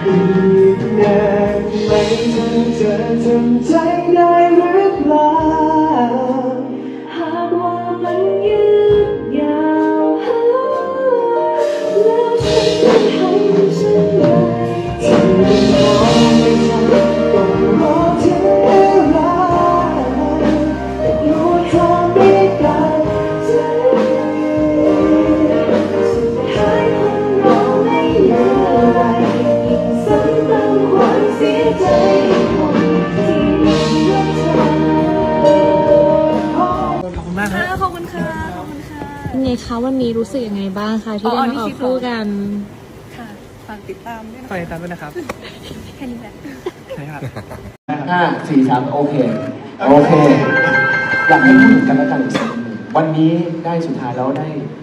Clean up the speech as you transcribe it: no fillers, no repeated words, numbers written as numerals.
กนานไหมถ้าเธอทำใจได้หรือเปล่าหากว่ามันยืดยาวแล้วฉันจะให้ฉันได้ที่มองไม่ทันต้องรอเธอรักแต่กลัวเธอไม่ได้ใจสุดท้ายคงรอไม่เหลืออะไรยิ่งซ้ำเติมความเสียใจคนที่ไม่รักเธอขอบคุณมากครับขอบคุณค่ะขอบคุณค่ะเป็นไงคะวันนี้รู้สึกยังไงบ้างคะที่ได้มาออกคู่กันค่ะฝากติดตามด้วยนะฝากติดตามด้วยนะครับแค่นี้แหละใช่ครับ 5 4 3โอเคอยากให้พูดถึงกันและกันอีกสักนิดหนึ่งวันนี้ได้สุดท้ายแล้วได้